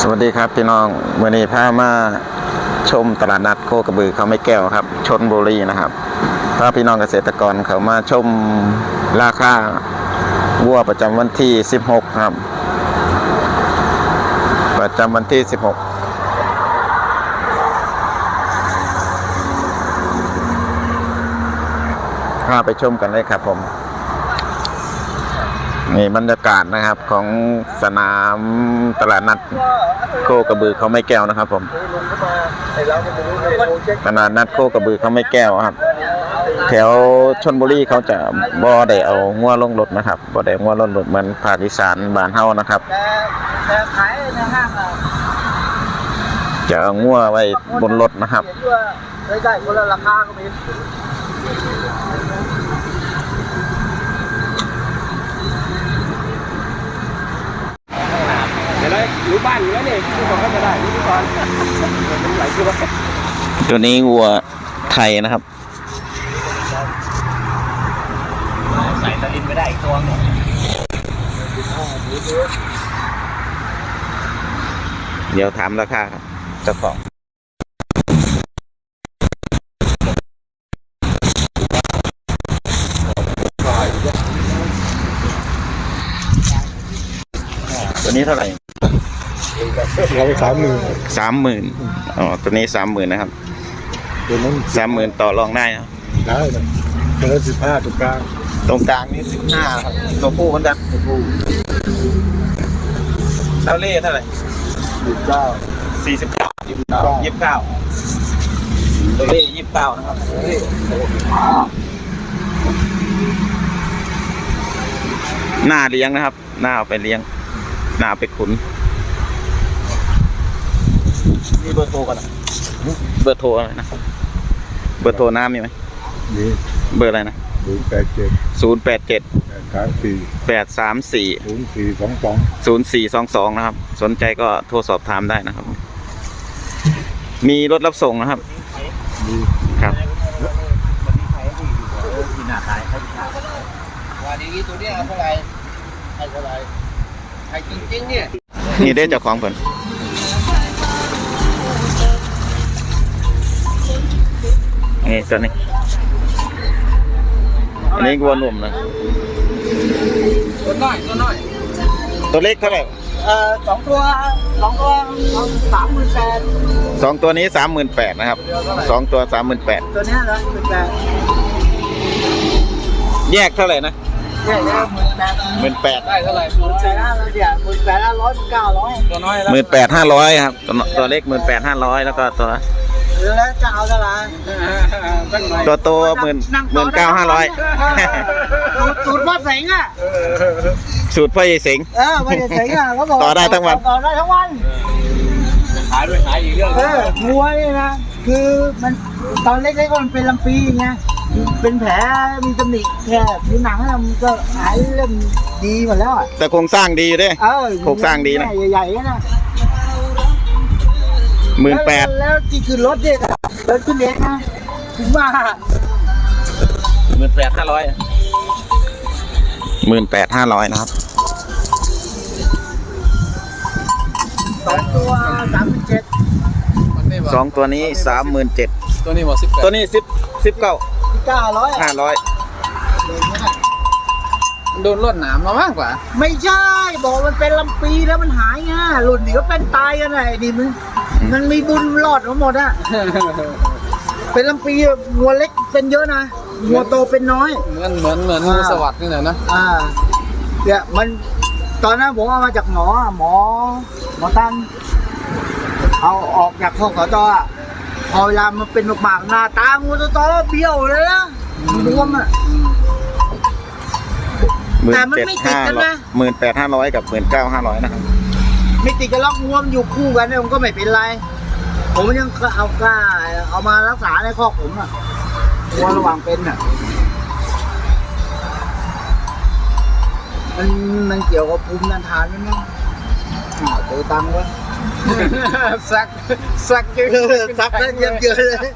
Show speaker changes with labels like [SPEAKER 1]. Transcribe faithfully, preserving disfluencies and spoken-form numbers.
[SPEAKER 1] วัสดีครับพี่น้องวันนี้พามาชมตลาดนัดโคกระบือเขาไม่แก้วครับชลบุรีนะครับพาพี่น้องเกษตรกรเขามาชมราคาวัวประจำวันที่สิบหกครับประจำวันที่สิบหกพาไปชมกันเลยครับผมนี่บรรยากาศนะครับของสนามตลาดนัดโคกระบือเขาไม่แก้วนะครับผมตลาดนัดโคกระบือเขาไม่แก้วครับแถวชลบุรีเขาจะบ่ได้เอางัวลงรถนะครับบ่ได้งัวลงรถเหมือนภาคอีสานบ้านเฮานะครับจะเอางัวไว้บนรถนะครับ
[SPEAKER 2] ได้คนละราคาก็มีเดี๋ยวเลยรู้บ้านอยู่แล้วนี่ทุกคนก็จะได้ทุกคนมันไหลคือว่า
[SPEAKER 1] ตัวนี้วัวไทยนะครับ
[SPEAKER 2] ใส่ตะลินไม่ได้อีกตัวหนึ่ง
[SPEAKER 1] เดี๋ยวถามราคาครับเจ้าของตัวนี้เท่าไหร่
[SPEAKER 3] เราไปสามหมื่น
[SPEAKER 1] สามหมื่นอ๋อตัวนี้สามหมื่นนะครับ
[SPEAKER 3] ตัวนั้น
[SPEAKER 1] สามหมื่นต่อรองได้นะ
[SPEAKER 3] ได้นะตัวนั้นสิบห้าตรงกลาง
[SPEAKER 1] ตรงกลางนี่สิบห้าครับตัวผู้เหมือนกันตัวผู้เท่าเล่เท่าไหร่
[SPEAKER 3] สิบเก้า
[SPEAKER 1] สี่สิบเก้ายี่สิบเก้ายี่สิบเก้าตัวเล่ยี่สิบเก้านะครับหน้าเลี้ยงนะครับหน้าเอาไปเลี้ยงหน้าไปขุน
[SPEAKER 2] มีเบอร์โทรกัน
[SPEAKER 1] เบอร์โทรอะไรนะเบอร์โทรน้ำมีไหม
[SPEAKER 3] มี
[SPEAKER 1] เบอร์อะไรนะ
[SPEAKER 3] ศูนย์แปดเจ็ด
[SPEAKER 1] ศูนย์แปดเจ็ด
[SPEAKER 3] แปดสามสี่
[SPEAKER 1] แปดสามสี่
[SPEAKER 3] ศูนย์สี่สองสอง
[SPEAKER 1] ศูนย์สี่สองสองนะครับสนใจก็โทรสอบถามได้นะครับมีรถรับส่งนะครับครับ
[SPEAKER 2] วันนี้ตัวนี้เท่าไหร่ให้เท่าไหร่ให้จริงๆเนี่ย
[SPEAKER 1] นี่ได้เจ้าของผลนี่ตัวนี้อันนี้วัวหนุ่มนะ
[SPEAKER 2] ตัวน้อยตัวน้อย
[SPEAKER 1] ตัวเล็กเท่าไหร่
[SPEAKER 2] เอ่อสองตัวสองตัวสามหมื่นแปด
[SPEAKER 1] สองตัวนี้สามหมื่นแปดนะครับสองตัวสามหมื่นแปด
[SPEAKER 2] ตัวนี้ละหมื่นแปด
[SPEAKER 1] แยกเท่าไหร่นะ
[SPEAKER 2] แยกแล้วหมื่นแปด
[SPEAKER 1] หมื่นแปด
[SPEAKER 2] ได้เท่าไหร่หมื่นแปดห้าร้อยเนี่ยหมื่นแปดห้าร้อยเก้าร้อยตัวน้อย
[SPEAKER 1] หมื่นแปดห้าร้อยครับตัวตัวเล็กหมื่นแปดห้าร้อยแล้วก็ตัว
[SPEAKER 2] แล้วจะเอาเท่าไหร่
[SPEAKER 1] ตัวโตหมื่นหมื่นเก้าห้าร้อย
[SPEAKER 2] สูตรพ่อเสงอ่ะ
[SPEAKER 1] สูตรพ่อใหญ่เสง
[SPEAKER 2] เออพ่อใหญ่เสงอ่ะเขาบอก
[SPEAKER 1] ต่อได้ทั้งวัน
[SPEAKER 2] ต่อได้ทั้งวัน
[SPEAKER 1] ขายด้วยขายอีกเรื่อง
[SPEAKER 2] เออวัวนี่นะคือมันตอนเล็กๆก็มันเป็นลำปีไงเป็นแผลมีตำหนิแค่ผิวหนังมันก็หายเริ่มดีหมดแล้วอ่ะ
[SPEAKER 1] แต่โครงสร้างดีด้วยโครงสร้างดีนะ
[SPEAKER 2] ใหญ่ๆนะ
[SPEAKER 1] หมื่นแปด
[SPEAKER 2] แล้วที่คือรถเนี่ยรถขึ้นเองนะถึงว่า
[SPEAKER 1] หมื่นแปดห้าร้อยหมื่นแปดห้าร้อยนะครับ
[SPEAKER 2] สองตัวสามหมื่นเจ็ด
[SPEAKER 1] สองตัวนี้สามหมื่นเจ็ด
[SPEAKER 2] ตัวนี้หมดสิบ
[SPEAKER 1] ตัวนี้สิบสิบเก้า
[SPEAKER 2] เก้าร้อย
[SPEAKER 1] ห้าร้อย
[SPEAKER 2] โดนรถหนามมามากกว่าไม่ใช่บอกมันเป็นลำปีแล้วมันหายไงหลุดหนีก็เป็นตายกันไงนี่มึงมันมีบุญรอดทั้งหมดอะเป็นลำปีงัวเล็กเป็นเยอะนะงัวโตเป็นน้อย
[SPEAKER 4] เหมือนเหมือนเหมือนงูสวัสดิ์นี่แหละนะ
[SPEAKER 2] อ่าเนี่ยมันตอนนั้นผมเอามาจากหมอหมอหมอตั้งเอาออกจากข้อขอจอพอเวลามันเป็นหมากหน้าตางูโตๆเบี้ยวเลยนะรวมอะแต่มันไม่ติดกันนะ
[SPEAKER 1] หมื่นแปดห้าร้อยกับหมื่นเก้าห้าร้อยนะครับ
[SPEAKER 2] ไม่ติดกันล็อกงวมอยู่คู่กันเนี่ยมันก็ไม่เป็นไรผมยังเอากล้าเอามารักษาในข้อผมอ่ะวัวระหว่างเป็นอ่ะมันมันเกี่ยวกับภูมิต้านทานไหมมั้งเจอตังค์วะ
[SPEAKER 4] สักสักเยอะ
[SPEAKER 2] สักเยอะเยอะเลย